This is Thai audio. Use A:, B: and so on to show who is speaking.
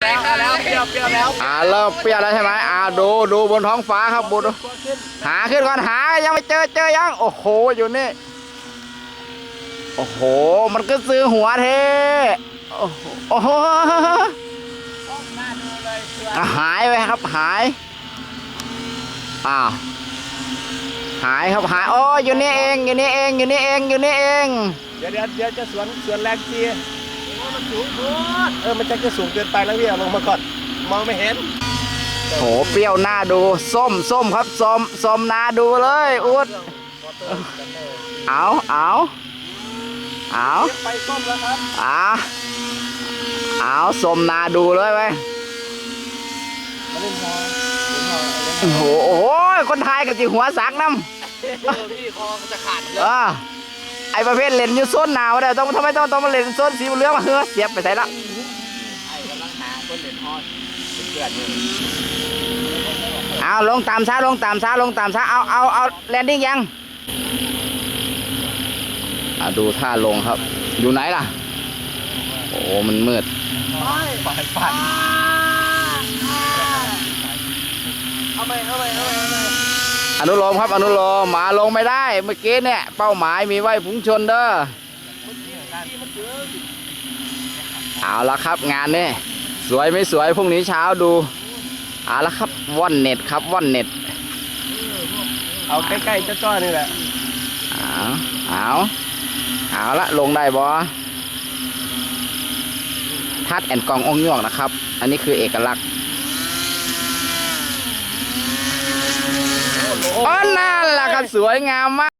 A: แล้วเปรี้ยวแล้ว
B: เริ่มเปรี้ยวแล้วใช่ไหมดูบนท้องฟ้าครับดูหาขึ้นก่อนหายังไม่เจอยังโอ้โหอยู่นี่โอ้โหมันก็ซื้อหัวเทโอ้โหหายไปครับหายครับหายโอ้อยู่นี่เองเดี๋ยวจะสวนแรงจี
A: มันสูงโคตรมันจะสูงเกินไปแล้วพี่ลงมาก่อนมองไม่เห็น
B: โหเปรี้ยวหน้าดูส้มครับส้มนาดูเลยอุดเอา
A: ไปส้มแล้วครับ
B: ส้มนาดูเลยไปโอ้โหคนไทยกับจีหัวสักน้ำ
A: พี่คอจะขาด
B: ไอประเภทเล่นอยู่โซนหนาวเด้อทำไมต้องมาเล่นโซนสีเหลืองมาเสียบไปใส่ละ
A: ไอ้กำลังหาคนเล่นฮอตเป็นเพื่อน
B: อยู่ลงตามช้าเอาแลนดิ้งยังดูท่าลงครับอยู่ไหนล่ะโอ้มันมืด
A: ไปเอาไป
B: อนุโลมครับอนุโลมมาลงไม่ได้เมื่อกี้เนี่ยเป้าหมายมีไว้พุ่งชนเด้อเอาละครับงานนี่สวยไม่สวยพรุ่งนี้เช้าดูเอาละครับว่อนเน็ตครับว่อนเน็ต
A: เอาใกล้ๆจ้อๆนี่แหละ
B: เอาละลงได้บอทัดแอนกององยวกนะครับอันนี้คือเอกลักษณ์นั่นแหละครับสวยงามมาก